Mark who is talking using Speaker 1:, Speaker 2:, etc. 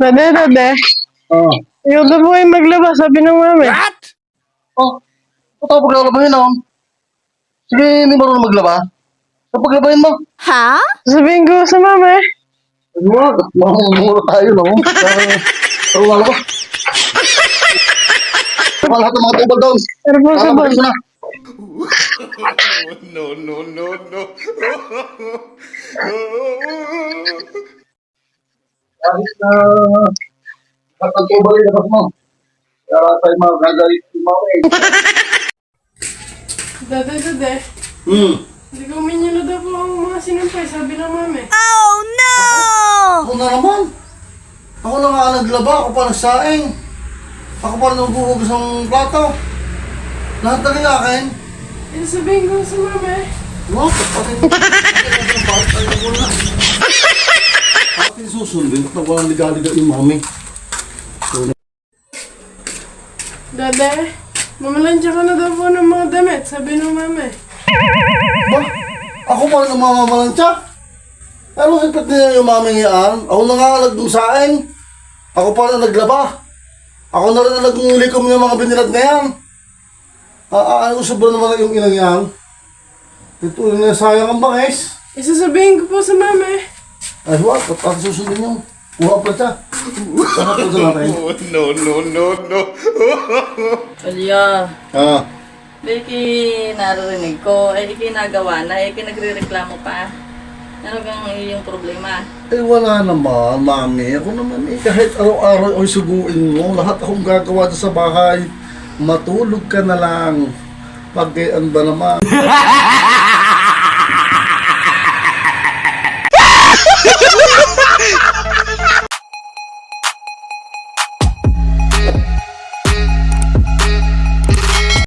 Speaker 1: Dade.
Speaker 2: Oh.
Speaker 1: Ikaw na po ay maglaba, sabi ng mami.
Speaker 3: What?
Speaker 2: Oh. Ito paglalabahin naman. Sige, hindi marunong maglaba. Sa paglabahin mo.
Speaker 3: Ha?
Speaker 1: Sabihin ko sa mami.
Speaker 2: Ano mo? Mamumura tayo, no? Pero wala ba? Saka lahat ng mga tubal doon.
Speaker 1: Pero po sa
Speaker 2: Lalabahin mo na.
Speaker 3: No.
Speaker 2: Kahit na lahat ng tubal ay labas mo. Kaya tayo mga gagalit yung mga eh.
Speaker 1: Dade. Hindi ko minyo na daw po ang mga sinampay, sabi ng mami.
Speaker 2: Ako na naman. Ako na nga naglaba, ako pa nagsaing. Ako pa nagbuhugas ng plato. Lahat na rin akin.
Speaker 1: Eh, sabihin ko sa mami.
Speaker 2: Wow, pati mo. Pati mo na. Pati susundin. Ba't walang liga-liga yung mami?
Speaker 1: Dade, mamalansya ka na daw po ng mga damit, sabi ng mami.
Speaker 2: Ba? Ako pa rin ang mamamalansya? Ano sipit niya yung mami yan? Ako na nga nagdung saing. Ako pa rin ang naglaba. Ako na rin ang naglikom ng mga binilad na yan. Ano sobra naman yung inang yan? Ito na sayang ang bangis.
Speaker 1: Isasabihin ko po sa mami.
Speaker 2: Ay, wala. Pati susundin yung kuha pa siya. Saka po sa natin.
Speaker 3: No.
Speaker 4: Alya,
Speaker 2: Ah,
Speaker 4: Becky, naririnig ko, ikinagawa na, nagre-reklamo pa. Ano kang iyong problema?
Speaker 2: eh wala naman, mami. Ako naman kahit araw-araw ay suguin mo, lahat akong gagawa dyan sa bahay. Matulog ka na lang. Pagkaian ba naman?